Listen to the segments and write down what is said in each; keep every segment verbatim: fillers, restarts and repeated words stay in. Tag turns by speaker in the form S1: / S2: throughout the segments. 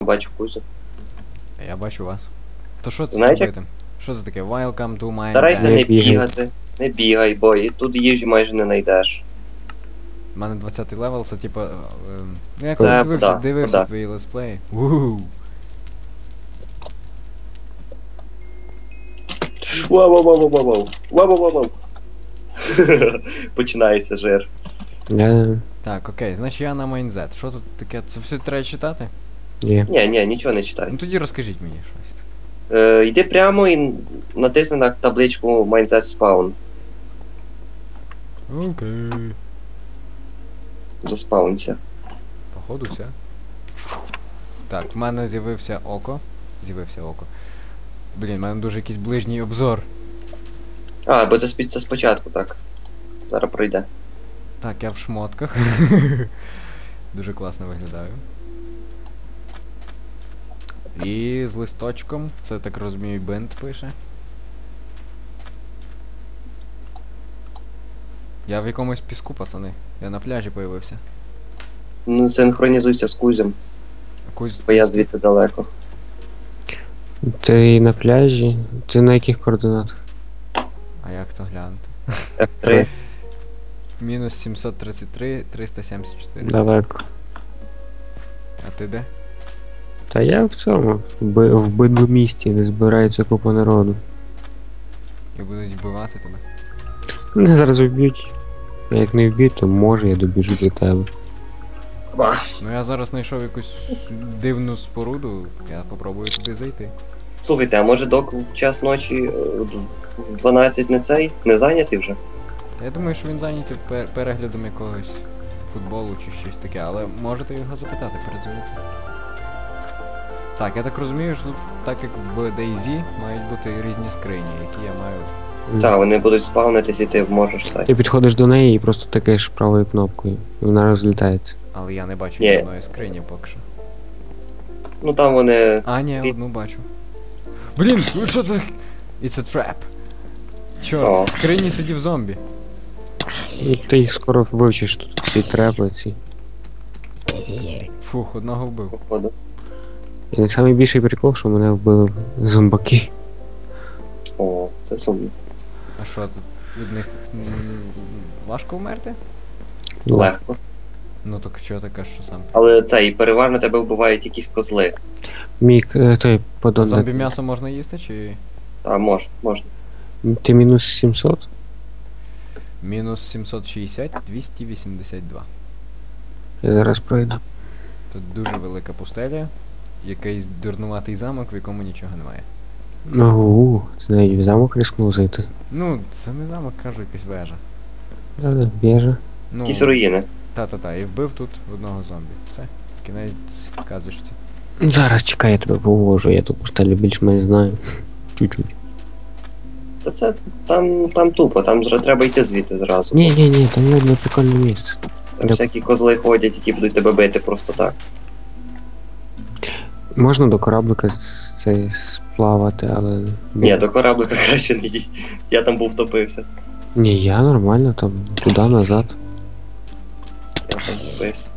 S1: бачу Кузю.
S2: Я бачу вас. То що це
S1: Знаєте?
S2: робити? Що це таке? Welcome to my
S1: Старайся
S2: land.
S1: не
S3: Не бігай.
S1: бігати. Не бігай, бо і тут їжі майже не знайдеш.
S2: У мене двадцятий левел, це типа. Ем, ну я
S1: Це
S2: коли дивився,
S1: да,
S2: дивився
S1: да.
S2: твої летсплеї. Ууу.
S1: Вау-вау-вау-вау-вау. Вау-вау-вау-вау. Починається жир.
S3: Я...
S2: Так, окей, значить я на майнзет. Що тут таке? Це все треба читати?
S3: Є.
S1: Ні, ні, нічого не читай.
S2: Ну тоді розкажіть мені щось.
S1: Е, йди прямо і натисни на табличку Mindset Spawn.
S2: Окей.
S1: Заспаунься.
S2: Походу все. Так, в мене з'явився око. З'явився око. Блін, в мене дуже якийсь ближній обзор.
S1: А, бо це, спі- це спочатку, так. Зараз пройде.
S2: Так, я в шмотках. Дуже класно виглядаю. І з листочком, це так розумію, бинт пише. Я в якомусь піску, пацани. Я на пляжі появився.
S1: Ну, синхронізуйся з Кузем,
S2: Якусь...
S1: бо я звідти далеко.
S3: Ти на пляжі? Ти на яких координатах?
S2: А як то глянути?
S1: еф три.
S2: Мінус сімсот тридцять три, триста сімдесят чотири.
S3: Далеко.
S2: А ти де?
S3: Та я в цьому, в, би- в бидлу місті, де збирається купа народу.
S2: І будуть вбивати тебе?
S3: Мене зараз вб'ють. А як не вб'ють, то може я добіжу до тебе.
S1: Ба.
S2: Ну я зараз знайшов якусь дивну споруду, я попробую туди зайти.
S1: Слухайте, а може док в час ночі е, в дванадцять не цей? Не зайнятий вже?
S2: Я думаю, що він зайнятий пер- переглядом якогось футболу чи щось таке, але можете його запитати, передзвонити. Так, я так розумію, що так як в DayZ мають бути різні скрині, які я маю.
S1: Так, вони будуть спавнитись і ти можеш цей.
S3: Ти підходиш до неї і просто тикаєш правою кнопкою. І вона розлітається.
S2: Але я не бачу
S1: Ні.
S2: ні одної скрині поки що.
S1: Ну там вони.
S2: А, ні,
S1: Ти-
S2: одну бачу. Блін, ну що це? It's a trap. Чорт,
S1: О.
S2: в скрині сидів зомбі.
S3: І ти їх скоро вивчиш тут всі трепи ці.
S2: Фух, одного вбив.
S1: Походу.
S3: І найбільший прикол, що мене вбили зомбаки.
S1: О, це сумно.
S2: А що тут від них м, важко вмерти?
S1: Легко.
S2: Ну так чого ти кажеш, що сам?
S1: Але цей переважно тебе вбивають якісь козли.
S3: Мік, е, той подон.
S2: Зомбі м'ясо можна їсти чи.
S1: А, можна, можна.
S3: Ти мінус сімсот?
S2: Мінус сімсот шістдесят, двісті вісімдесят два.
S3: Я зараз пройду.
S2: Тут дуже велика пустеля, якийсь дурнуватий замок, в якому нічого немає.
S3: Ого, ти навіть в замок рискнув зайти.
S2: Ну, це не замок, кажу, якась вежа.
S3: Да-да, біжа.
S2: Ну,
S1: Якісь руїни.
S2: та-та-та, і вбив тут одного зомбі. Все, кінець казочці.
S3: Зараз чекай, я тебе повожу, я ту пустелю більш-менш знаю. Чуть-чуть.
S1: Та це там, там тупо, там зра- треба йти звідти зразу.
S3: Ні, ні, ні, там видно прикольне місце.
S1: Там
S3: Де-
S1: всякі козли ходять, які будуть тебе бити просто так.
S3: Можна до кораблика з- цей сплавати, але.
S1: Ні, до кораблика краще не їдь. Я там був втопився.
S3: Ні, я нормально, там туди назад.
S1: Я там втопився.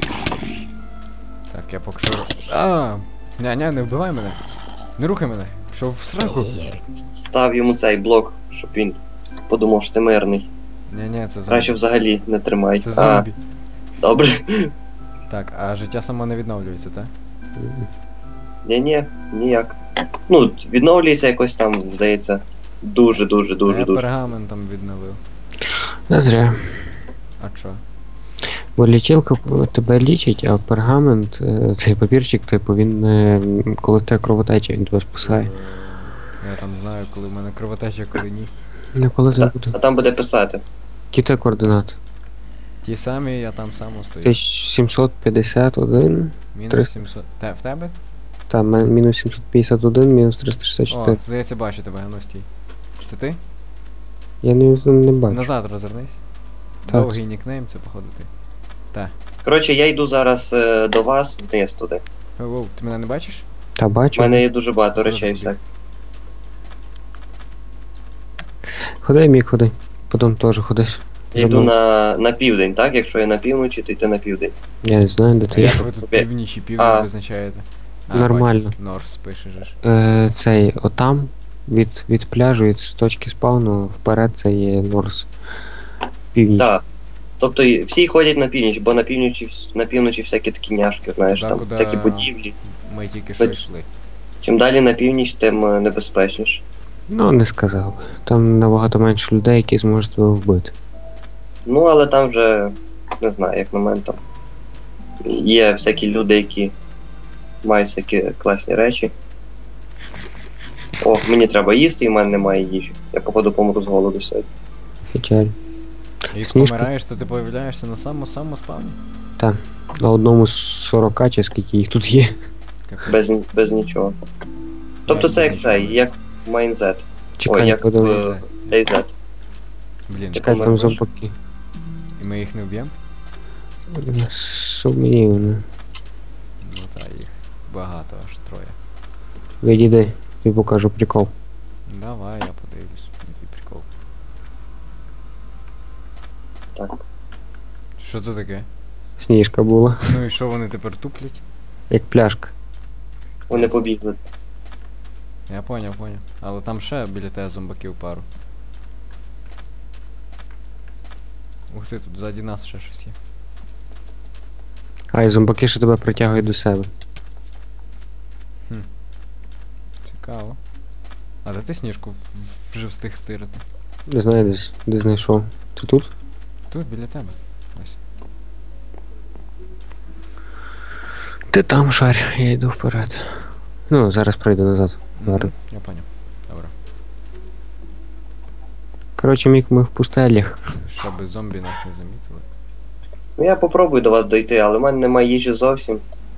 S2: Так, я поки що. А, ня-ня, не вбивай мене. Не рухай мене. Пішов в сраку.
S1: С- Став йому цей блок, щоб він подумав, що ти мирний.
S2: Ні-ні, це зомбі.
S1: Краще взагалі не тримай.
S2: Це
S1: А,
S2: зомбі.
S1: добре.
S2: Так, а життя само не відновлюється, так?
S1: Ні-ні, ніяк. Ну, відновлюється якось там, здається, дуже-дуже,
S2: Я
S1: дуже-дуже.
S2: пергаментом відновив.
S3: Не зря.
S2: А чо?
S3: Бо лічилка п- тебе лічить, а пергамент, е, цей папірчик, типу, він е, коли в тебе кровотеча, він тебе спасає.
S2: Я там знаю, коли в мене кровотеча, коли ні.
S3: Ну коли
S1: Та-
S3: ти буде.
S1: А там буде писати.
S3: Які те координати?
S2: Ті самі, я там само стою.
S3: тисяча сімсот п'ятдесят один,
S2: Мінус
S3: триста.
S2: сімсот. Те, в тебе?
S3: там мен- мінус сімсот п'ятдесят один, мінус триста шістдесят
S2: О,
S3: чотири.
S2: здається, бачу тебе, ну стій. Це ти?
S3: Я не, не бачу.
S2: Назад розвернись.
S3: Так.
S2: Довгий нікнейм, це походу ти.
S1: Коротше, я йду зараз е, до вас вниз туди.
S2: Воу, ти мене не бачиш?
S3: Та
S1: У
S3: бачу.
S1: мене є дуже багато речей
S2: Добре.
S1: всяких.
S3: Ходи, мік, ходи. Потім теж ходиш.
S1: Я йду
S3: Забув.
S1: на, на південь, так? Якщо я на півночі, то йти на південь.
S3: Я не знаю, де ти
S2: А
S3: є.
S2: як ви тут
S1: Окей.
S2: північ і південь
S1: А.
S2: визначаєте? А,
S3: Нормально.
S2: бачу, Норс пише же ж.
S3: Е, цей, отам, від, від пляжу, від з точки спавну, вперед це є Норс. Північ.
S1: Так. Тобто і всі ходять на північ, бо на півночі, вс- на півночі всякі такі няшки, знаєш,
S2: Туди,
S1: там
S2: куди
S1: всякі будівлі.
S2: Ми тільки що
S1: Хоч-
S2: йшли.
S1: Чим далі на північ, тим е, небезпечніше.
S3: Ну, не сказав би. Там набагато менше людей, які зможуть тебе вбити.
S1: Ну, але там вже, не знаю, як на мене там. Є всякі люди, які мають всякі класні речі. О, мені треба їсти, і в мене немає їжі. Я походу помру з голоду сьогодні.
S3: Печаль.
S2: Як
S3: Сніжка?
S2: помираєш, то ти появляєшся на самому-самому спавні.
S3: На одному з сорока, чи скільки їх тут є.
S2: Капець.
S1: Без, без нічого. Тобто це як цей, як Майнзет.
S3: Чекай,
S1: Ой, як
S3: подивись.
S1: е, Дейзет.
S2: Блін,
S3: Чекай, там
S1: померли.
S3: зомбаки.
S2: і ми їх не вб'ємо?
S3: Сумнівно.
S2: Ну та їх багато, аж троє.
S3: Відійди, тобі покажу прикол.
S2: Давай, я подивлюсь на твій прикол.
S1: Так.
S2: Що це таке?
S3: Сніжка була.
S2: Ну і що вони тепер туплять?
S3: Як пляшка.
S1: Вони побігли.
S2: Я поняв, поняв. Але там ще біля тебе зомбаків пару. Ух ти, тут ззаді нас ще щось є.
S3: А, і зомбаки ще тебе притягують до себе.
S2: Цікаво. А де ти сніжку в- вже встиг стирити?
S3: Не знаю, де, з- де знайшов. Ти тут?
S2: Тут, біля тебе. Ось.
S3: Ти там шарь, я йду вперед. Ну, зараз пройду назад.
S2: Мгм,
S3: Зараз.
S2: Я поняв. Добре.
S3: Коротше, Мік, ми в пустелях.
S2: Щоб зомбі нас не замітили.
S1: Ну я попробую до вас дойти, але в мене немає їжі зовсім.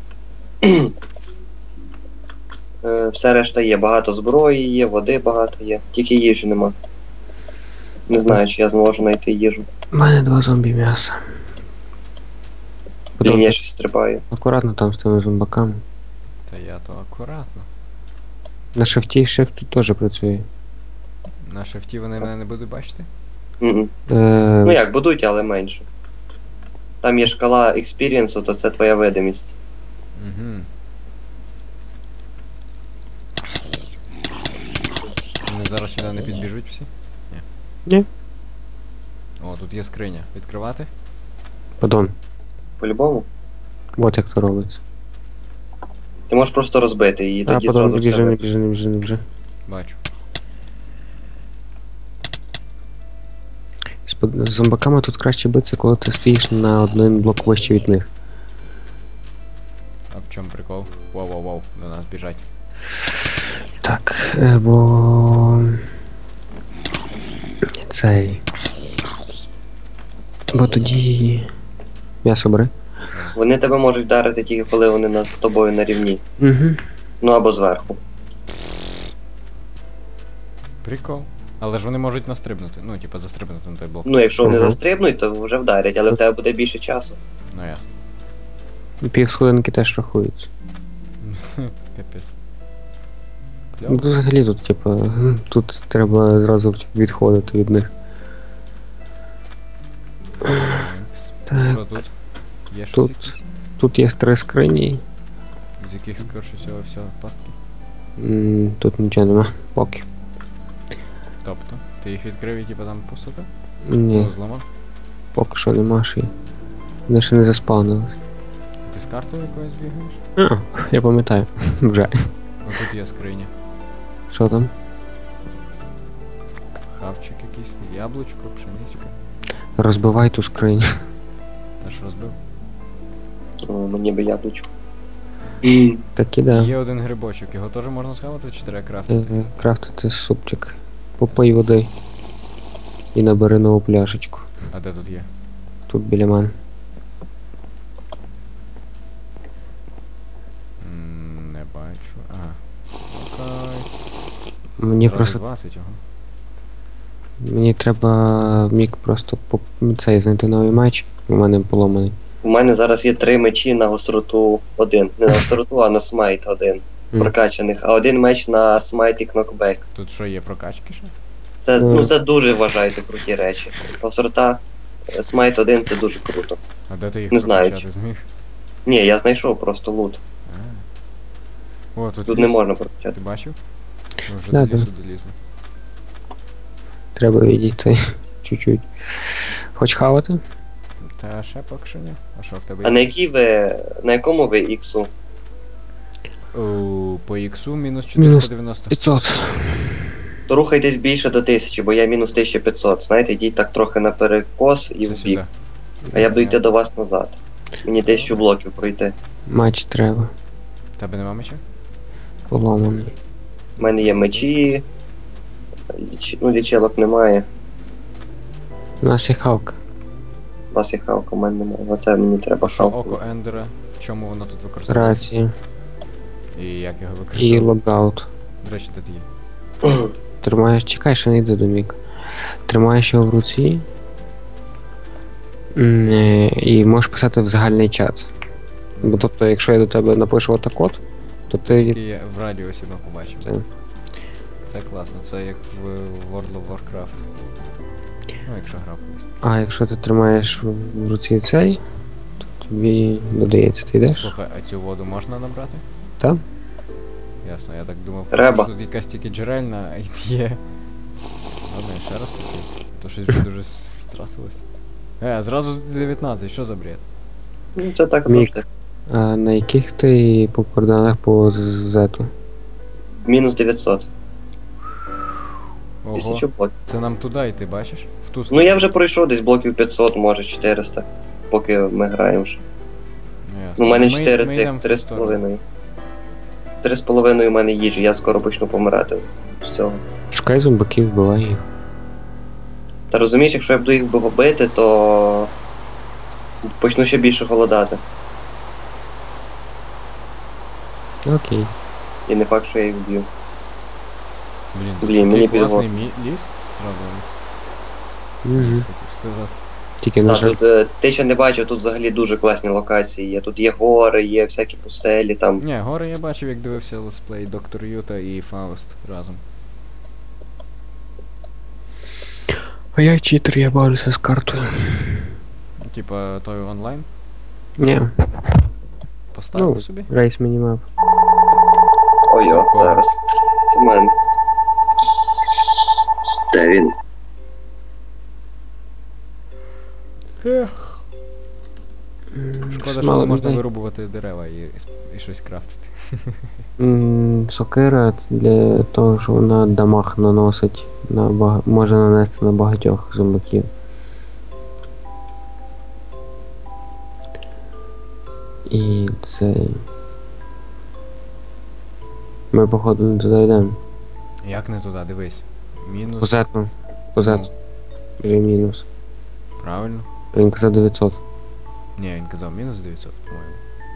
S1: Е, Все решта є. Багато зброї є, води багато є. Тільки їжі нема. Не знаю, чи я зможу знайти їжу.
S3: У мене два зомбі м'яса.
S1: Блін,
S3: Потім
S1: я щось стрибаю.
S3: акуратно там з тими зомбаками.
S2: Та я то акуратно.
S3: На шифті шифт тут теж працює.
S2: На шифті вони мене не будуть бачити?
S1: Мгм.
S3: Е,
S1: Ну як, будуть, але менше. Там є шкала експірієнсу, то це твоя видимість.
S2: Угу. Вони зараз сюди не підбіжуть всі? Ні.
S3: Ні.
S2: О, тут є скриня. Відкривати?
S3: Падон.
S1: По-любому.
S3: От як то робиться.
S1: Ти можеш просто розбити її,
S3: А,
S1: тоді
S3: падон,
S1: зразу
S3: не
S1: все.
S3: біжи, не
S1: видно.
S3: біжи, не біжи, не біжи.
S2: Бачу.
S3: З под- З зомбаками тут краще битися, коли ти стоїш на один блок вище від них.
S2: А в чому прикол? Воу-воу-воу, до нас біжать.
S3: Так, е, бо... Цей... Бо тоді... М'ясо бери.
S1: Вони тебе можуть вдарити тільки коли вони на- з тобою на рівні.
S3: Угу.
S1: Ну або зверху.
S2: Прикол. Але ж вони можуть настрибнути. Ну, типа застрибнути на той блок.
S1: Ну, якщо вони
S3: Ага.
S1: застрибнуть, то вже вдарять, але в тебе буде більше часу.
S2: Ну ясно.
S3: Півсходинки теж рахуються.
S2: Капець.
S3: Ну,
S2: Кльово.
S3: взагалі тут, типу, м, тут треба зразу відходити від них.
S2: Тhanks. Що тут? Є щось
S3: Тут.
S2: якісь?
S3: Тут є три скрині.
S2: З яких скорше всього всього пастки?
S3: М, Тут нічого нема. Поки.
S2: Тобто, ти їх відкрив і типа там пустота?
S3: Ні,
S2: Ну, зламав?
S3: поки що нема ще. й. Вони ще не заспавнились.
S2: Ти з картою якоюсь бігаєш?
S3: А, я пам'ятаю. Вже.
S2: Ну тут є скриня.
S3: Що там?
S2: Хавчик якийсь, яблучко, пшеничка.
S3: Розбивай ту скриню.
S2: Та ж розбив.
S1: О, мені би яблучко.
S3: Так і да.
S2: Є один грибочок, його теж можна схавати чи треба крафтити?
S3: Е, Крафтити супчик. Попий води. І набери нову пляшечку.
S2: А де тут є?
S3: Тут біля мене.
S2: М, Не бачу. Ага. Окей.
S3: Мені
S2: Зразу
S3: просто.
S2: двадцять, ого.
S3: Мені треба мік просто по цей знайти новий меч. У мене поломаний.
S1: У мене зараз є три мечі на гостроту один. Не на гостроту, а на смайт один.
S3: Мгм.
S1: Прокачаних, а один меч на смайт і кнокбек.
S2: Тут що є прокачки ще?
S1: Це,
S3: Мгм.
S1: ну, це дуже вважається круті речі. Гострота е, смайт один це дуже круто.
S2: А де ти їх
S1: Не знаю,
S2: прокачати зміг?
S1: Ні, я знайшов просто лут.
S2: А. О, тут,
S1: Тут
S2: ліс.
S1: не можна прокачати.
S2: Ти бачив? Ми вже
S3: Да,
S2: до лісу
S3: да.
S2: долізли.
S3: Треба відійти чуть-чуть. Хоч хавати?
S2: Та ще поки що ні. А що в тебе
S1: А
S2: є?
S1: на якій ви. На якому ви іксу?
S2: О, по іксу мінус
S3: Мінус
S2: чотириста дев'яносто.
S3: п'ятсот.
S1: То рухайтесь більше до тисячі, бо я мінус тисяча п'ятсот. Знаєте, йдіть так трохи на перекос і
S2: Це
S1: в бік.
S2: сюди.
S1: А я буду йти до вас назад. Мені тисячу блоків пройти.
S3: Матч треба.
S2: Тебе нема меча?
S3: Поломаний.
S1: У мене є мечі. Ліч... Ну, лічилок немає.
S3: У нас є хавка.
S1: У вас є хавка, у мене немає. Оце мені треба
S2: Що
S1: хавку.
S2: око Ендера? В чому воно тут використовується?
S3: Рація.
S2: І як його
S3: І
S2: використовують?
S3: логаут.
S2: До речі, де ти є?
S3: Тримаєш, чекай, ще не йде до Міка. Тримаєш його в руці. М, е, І можеш писати в загальний чат. Бо тобто, якщо я до тебе напишу отак-от, то ти.
S2: Який я в радіусі ми побачив.
S3: Це.
S2: Це класно, це як в World of Warcraft. Ну, якщо гра колись.
S3: А якщо ти тримаєш в в руці цей, то тобі додається, ти йдеш?
S2: Слухай, а цю воду можна набрати?
S3: Так?
S2: Ясно, я так думав,
S1: Треба.
S2: що тут якась тільки джерельна є. Ладно, я ще раз таки. То щось вже дуже стратилось. Е, зразу дев'ятнадцять, що за бред?
S1: Ну, це так
S3: Мік.
S1: завжди.
S3: А на яких ти по координатах по зету?
S1: Мінус дев'ятсот.
S2: Ого,
S1: Тисячу блоків.
S2: це нам туди йти, бачиш? В ту
S1: Ну
S2: сторону.
S1: я вже пройшов десь блоків п'ятсот, може чотириста. Поки ми граємо вже.
S2: Ясно.
S1: Ну, у мене
S2: Ми-
S1: чотири
S2: ми
S1: цих,
S2: йдемо в ту
S1: три з
S2: сторону.
S1: половиною. Три з половиною у мене їжі, я скоро почну помирати з всього.
S3: Шукай зомбаків, вбивай їх.
S1: Та розумієш, якщо я буду їх бити, то почну ще більше голодати.
S3: Окей.
S1: І не факт, що я їх вб'ю.
S2: Блін,
S1: Блін,
S2: такий
S1: мені
S2: класний
S1: підго-
S2: мі- ліс зроблений.
S3: Угу.
S2: Ліс, хотів сказати.
S3: Тільки на
S1: Та,
S3: жаль.
S1: тут, е, ти ще не бачив, тут взагалі дуже класні локації є. Тут є гори, є всякі пустелі там.
S2: Ні, гори я бачив, як дивився летсплей Доктор Юта і Фауст разом.
S3: А я читер, я борюся з картою.
S2: Ну, Типа той онлайн
S3: Ні,
S2: поставив
S3: Ну,
S2: собі.
S3: рейс мінімап.
S1: Ой, о,
S2: Дякую.
S1: зараз. Це в мене. Де він?
S2: Ех. Шкода, що не можна вирубувати дерева і, і щось крафтити.
S3: М, Сокира це для того, що вона дамаг наносить на бага... може нанести на багатьох зомбаків. І це. Ми походу не туди йдемо.
S2: Як не туди, дивись. Мінус.
S3: Позетно. Позетно. Вже мінус.
S2: Правильно?
S3: Він казав дев'ятсот.
S2: Ні, він казав мінус дев'ятсот, по-моєму.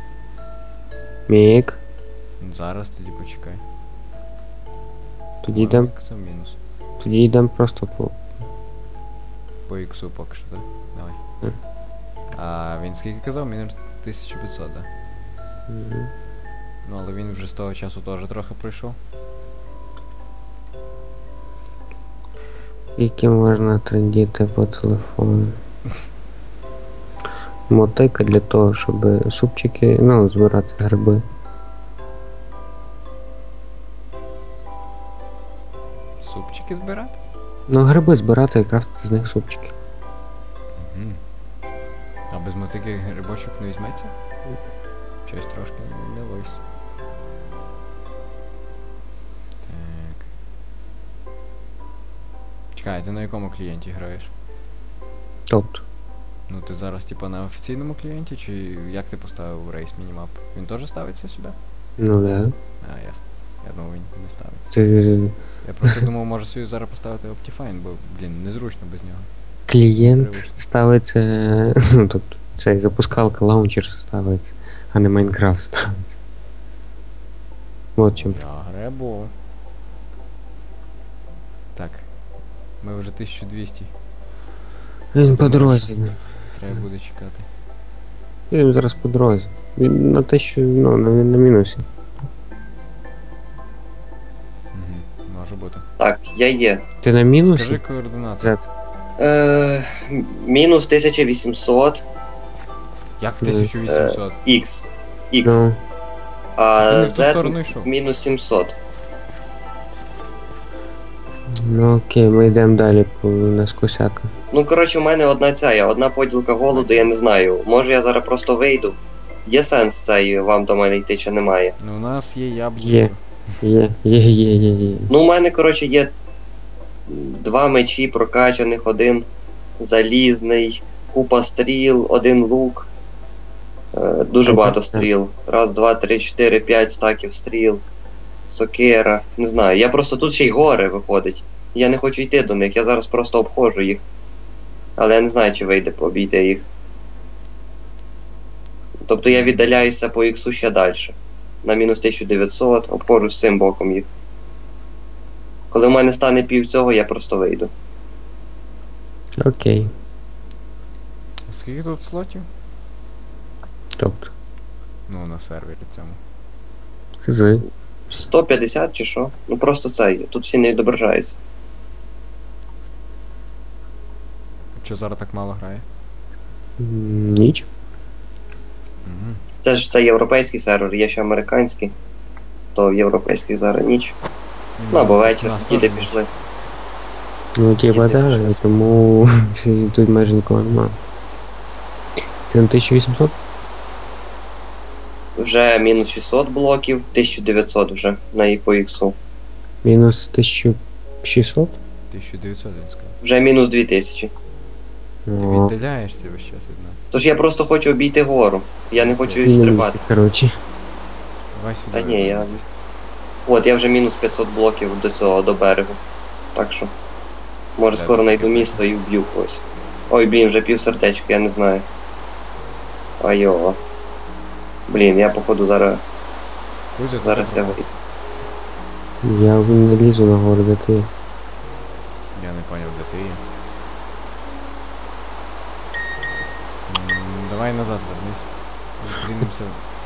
S3: Мік.
S2: Ну, Зараз тоді почекай.
S3: Тоді
S2: По-моєму,
S3: йдемо.
S2: він казав мінус.
S3: Тоді йдемо просто по.
S2: По іксу поки що, так? Давай.
S3: Мгм.
S2: А він скільки казав? Мінус тисяча п'ятсот, так?
S3: Мгм.
S2: Ну але він вже з того часу теж трохи пройшов.
S3: Які можна трендіти по телефону. Мотика для того, щоб супчики, ну, збирати гриби.
S2: Супчики збирати?
S3: Ну, гриби збирати і крафтити з них супчики.
S2: Угу. А без мотики грибочок не візьметься? Щось трошки не вось. Так. Чекай, ти на якому клієнті граєш?
S3: Тобто.
S2: Ну ти зараз типа на офіційному клієнті, чи як ти поставив рейс мінімап? Він теж ставиться сюди?
S3: Ну да.
S2: А, ясно. Я думав, він не ставиться.
S3: Ти
S2: Я просто думав, може собі зараз поставити Optifine, бо, блін, незручно без нього.
S3: клієнт
S2: Привично.
S3: ставиться. Ну тобто цей запускалка лаунчер ставиться, а не Майнкрафт ставиться. От чим.
S2: Я гребу. Так. Ми вже тисяча двісті.
S3: Він по дорозі.
S2: Треба буде чекати.
S3: Він зараз по дорозі. Він на те, що ну, на, на мінусі.
S2: Угу. Може бути.
S1: Так, я є.
S3: Ти на мінусі?
S2: Скажи координати.
S3: Зет.
S1: Е, мінус тисяча вісімсот.
S2: Як тисяча вісімсот?
S1: Х. Х.
S3: Ну,
S2: Ти
S1: А
S2: не в ту сторону
S1: Z
S2: йшов.
S1: мінус сімсот.
S3: Ну окей, ми йдемо далі по нас косяка.
S1: Ну, коротше, у мене одна ця, є, одна поділка голоду, я не знаю. Може я зараз просто вийду. Є сенс цей вам до мене йти чи немає?
S2: Ну у нас є яблуко.
S3: Є. Є, є, є, є, є.
S1: Ну, у мене, коротше, є два мечі прокачаних, один залізний, купа стріл, один лук. Е, дуже
S3: Ага,
S1: багато
S3: так.
S1: стріл. Раз, два, три, чотири, п'ять стаків стріл. Сокира. Не знаю. Я просто тут ще й гори виходить. Я не хочу йти до них, я зараз просто обходжу їх. Але я не знаю, чи вийде обійти їх. Тобто я віддаляюся по іксу ще далі. На мінус тисячу дев'ятсот, обходжу з цим боком їх. Коли в мене стане пів цього, я просто вийду.
S3: Окей.
S2: Скільки тут слотів?
S3: Тобто,
S2: Ну, на сервері цьому.
S3: хзи.
S1: сто п'ятдесят чи що? Ну просто це, тут всі не відображаються.
S2: Що зараз так мало грає?
S3: М, Ніч.
S2: Угу.
S1: Це ж це європейський сервер, є ще американський. То в європейських зараз ніч. Ну або вечір, діти пішли.
S3: Ну, типа,
S1: Діти
S3: да,
S1: пішли.
S3: тому всі- тут майже нікого нема. Ти на тисячу вісімсот?
S1: Вже мінус шістсот блоків, тисяча дев'ятсот вже на і по іксу.
S3: Мінус тисяча шістсот?
S2: тисяча дев'ятсот, він сказав.
S1: Вже мінус дві тисячі.
S2: Ти
S3: О,
S2: віддаляєшся весь час від нас.
S1: Тож я просто хочу обійти гору. Я не хочу
S3: на
S1: стрибати.
S3: місці, коротше.
S2: Давай сюди.
S1: Та ні, я-
S2: виходь.
S1: От, я вже мінус п'ятсот блоків до цього, до берегу. Так що. Може
S2: Де
S1: скоро
S2: ти
S1: знайду
S2: таке?
S1: місто і вб'ю когось. Ой, блін, вже пів сердечка, я не знаю. Айо. Блін, я походу зараз.
S2: Кузя, ти
S1: Зараз
S2: де
S1: я
S2: пропав?
S1: вийду.
S3: Я не лізу на гору, де ти.
S2: Я не поняв, де ти є. М, Давай назад вернись. Зустрінемося.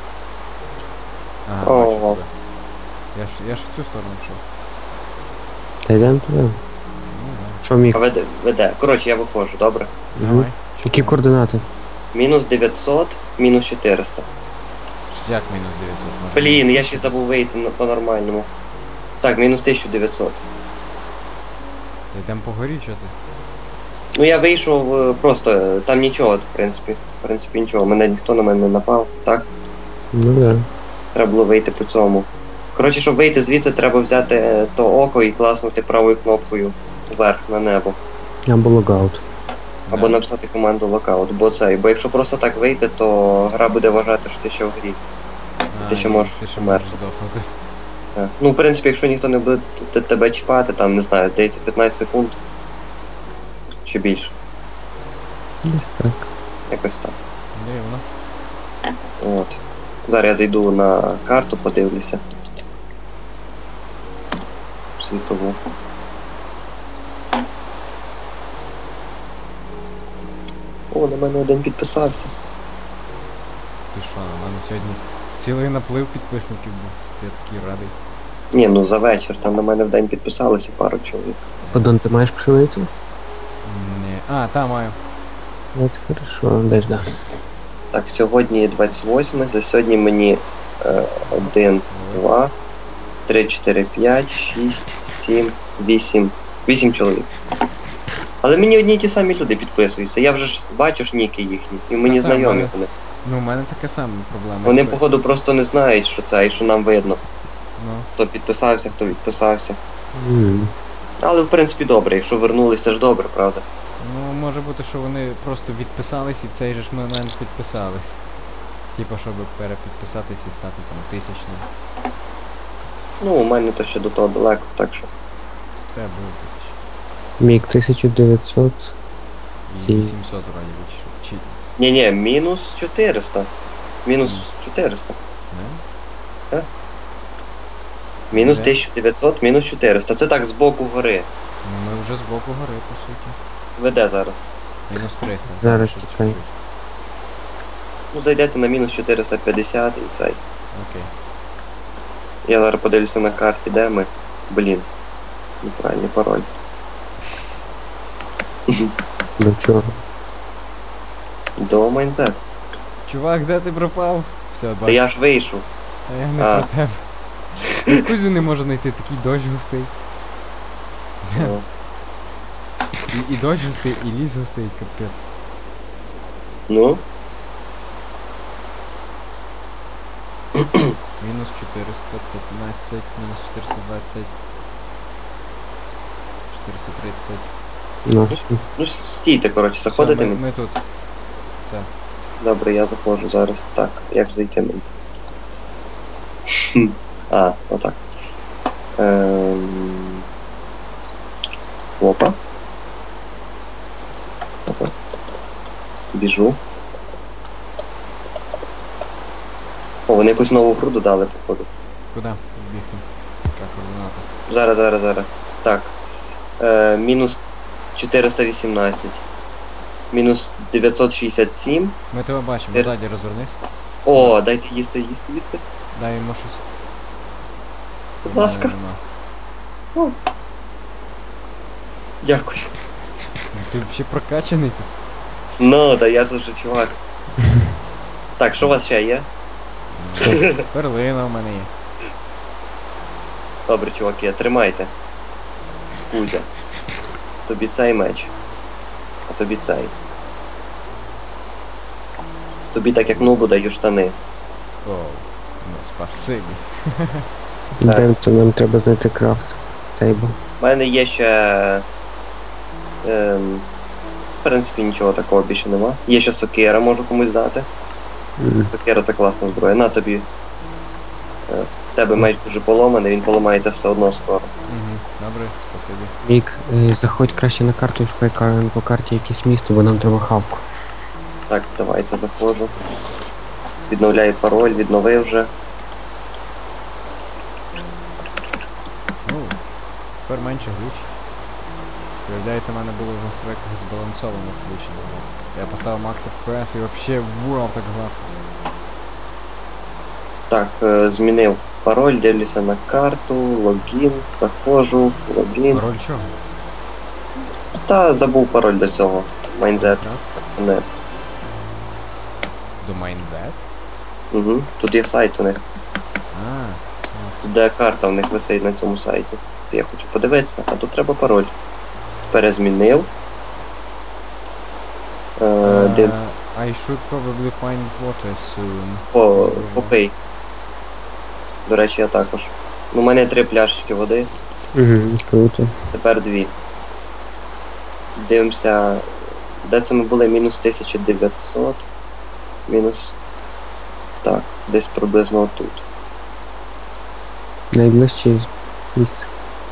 S2: Ага,
S1: О.
S2: бачу тебе. Я ж, я ж в цю сторону йшов.
S3: Та йдемо туди.
S2: Ну,
S3: Що міг?
S1: А веде, веде. Коротше, я виходжу, добре.
S2: да.
S3: Мгм.
S2: Давай.
S3: Які координати?
S1: Мінус дев'ятсот, мінус чотириста.
S2: Як мінус дев'ятсот?
S1: Блін, я ще забув вийти на- по-нормальному. Так, мінус тисяча дев'ятсот.
S2: Йдемо по горі, чи ти?
S1: Ну я вийшов е, просто, е, там нічого, в принципі. В принципі, нічого. Мене ніхто на мене не напав, так?
S3: Ну да.
S1: Треба було вийти по цьому. Коротше, щоб вийти звідси, треба взяти е, то око і класнути правою кнопкою вверх на небо.
S3: Або логаут.
S1: Або написати команду локаут, бо це. Бо якщо просто так вийти, то гра буде вважати, що ти ще в грі. ти ще
S2: ні,
S1: можеш
S2: Ти ще
S1: померти.
S2: можеш здохнути.
S1: Так. Ну, в принципі, якщо ніхто не буде т- тебе чіпати, там, не знаю, здається, п'ятнадцять секунд. Чи більше.
S3: Десь так.
S1: Якось так.
S2: Дивно.
S1: От. Зараз я зайду на карту, подивлюся. Світову. О, на мене один підписався.
S2: Ти що, у мене сьогодні цілий наплив підписників був. Я такий радий.
S1: Ні, ну за вечір, там на мене в день підписалося пару чоловік.
S3: Подон, ти маєш пшеницю?
S2: Ні. А, та маю.
S3: От хорошо, десь да.
S1: Так, сьогодні двадцять восьме, за сьогодні мені е, один, два, три, чотири, п'ять, шість, сім, вісім. Вісім чоловік. Але мені одні й ті самі люди підписуються. Я вже ж бачу ж ніки їхні, і мені
S2: Та-та,
S1: знайомі
S2: мене-
S1: вони.
S2: Ну, у мене така сама проблема.
S1: Вони,
S2: Якби-
S1: походу, просто не знають, що це і що нам видно.
S2: Ну,
S1: Хто підписався, хто відписався.
S3: М.
S1: Але в принципі добре, якщо вернулись, це ж добре, правда?
S2: ну, може бути, що вони просто відписались і в цей же ж момент підписались. Типа, щоб перепідписатись і стати там тисячним.
S1: Ну, у мене то ще до того далеко, так що.
S2: Це було тисяч.
S3: Мік тисяча дев'ятсот.
S2: І
S3: І-
S2: вісімсот вроді би. Чи...
S1: Ні-ні, мінус чотириста. Мінус чотириста.
S2: Не?
S1: Мінус
S2: Де?
S1: тисяча дев'ятсот, мінус чотириста. Це так з боку гори.
S2: Ну, ми вже з боку гори, по суті.
S1: Веде зараз.
S2: Мінус триста.
S3: Зараз
S2: ще
S3: чекай.
S2: чуть-чуть.
S1: Ну, зайдете на мінус чотириста п'ятдесят і цей.
S2: Окей.
S1: Я зараз подивлюся на карті, де ми. Блін. Неправильний пароль.
S3: До чого?
S1: До Майнзет.
S2: Чувак, де ти пропав? Все,
S1: Та
S2: бачу.
S1: я ж вийшов.
S2: А я не
S1: А.
S2: про тебе. Ну, Кузю не можу знайти, такий дощ густий.
S1: Ну,
S2: І, і дощ густий, і ліс густий, капець.
S1: Ну,
S2: Мінус чотириста п'ятнадцять, мінус чотириста двадцять. чотириста тридцять.
S3: Ну, все.
S1: ну стійте, коротше,
S2: Все,
S1: заходите
S2: ми,
S1: мені.
S2: ми тут. Так.
S1: Добре, я заходжу зараз. Так, як зайти мені? Хм, А, отак. Ем... Опа. Опа. Біжу. О, вони якусь нову гру додали, походу.
S2: Куди? Бігти. Яка координата?
S1: Зараз, зараз, зараз. Так. Е, мінус чотириста вісімнадцять. Мінус дев'ятсот шістдесят сім.
S2: Ми тебе бачимо,
S1: Зараз.
S2: ззаді розвернись.
S1: О, дайте їсти, їсти, їсти.
S2: Дай йому щось.
S1: Будь ласка.
S2: Нема, нема.
S1: Дякую.
S2: Ну, Ти взагалі прокачаний тут.
S1: Ну, да я тут же чувак. Так, що у вас ще є?
S2: Перлина в мене є.
S1: Добре, чуваки, тримайте. Кузя. Тобі цей меч. А тобі цей. Тобі так як нубу даю штани.
S2: Оу. Ну, спасибі.
S1: Так.
S3: Дем, то нам треба знайти крафт тейбл.
S1: У мене є ще. Ем, в принципі, нічого такого більше нема. Є ще сокира, можу комусь дати.
S3: М.
S1: Сокира це класна зброя. На тобі. Е, В тебе меч дуже поламаний, він поламається все одно скоро.
S2: Угу. Добре, спасибі.
S3: Вік, е, заходь краще на карту і шукай ка- по карті якесь місто, бо нам треба хавку.
S1: Так, давайте заходжу. Відновляю пароль, відновив вже.
S2: Ну, тепер менше глюч. Виявляється, в мене було в настройках збалансовано включено. Я поставив Max еф пі ес і взагалі вау, так гладко.
S1: Так, е, змінив пароль, дивлюся на карту, логін, заходжу, логін.
S2: Роль чого?
S1: Та забув пароль до цього. Майнзет.
S2: Так.
S1: Не.
S2: До Майнзет?
S1: Угу. Тут є сайт у них.
S2: А, ясно.
S1: Тут де карта в них висить на цьому сайті. Я хочу подивитися, а тут треба пароль. Перезмінив. Е, див...
S2: Uh, I should probably find water soon.
S1: О, окей. До речі, я також. Ну, у мене три пляшечки води,
S3: Угу, круто.
S1: тепер дві. Дивимося. Де це ми були? Мінус тисяча дев'ятсот. Мінус. Так, десь приблизно отут.
S3: Найближче місце.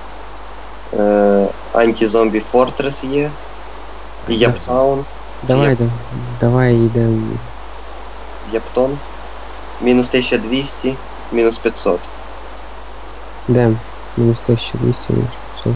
S1: Е, Анті-зомбі Фортрес є. І Яптаун.
S3: Давай,
S1: Є.
S3: да, давай йдемо.
S1: Яптон. Мінус тисяча двісті, мінус п'ятсот.
S3: Йдемо. Мінус тисяча двісті, мінус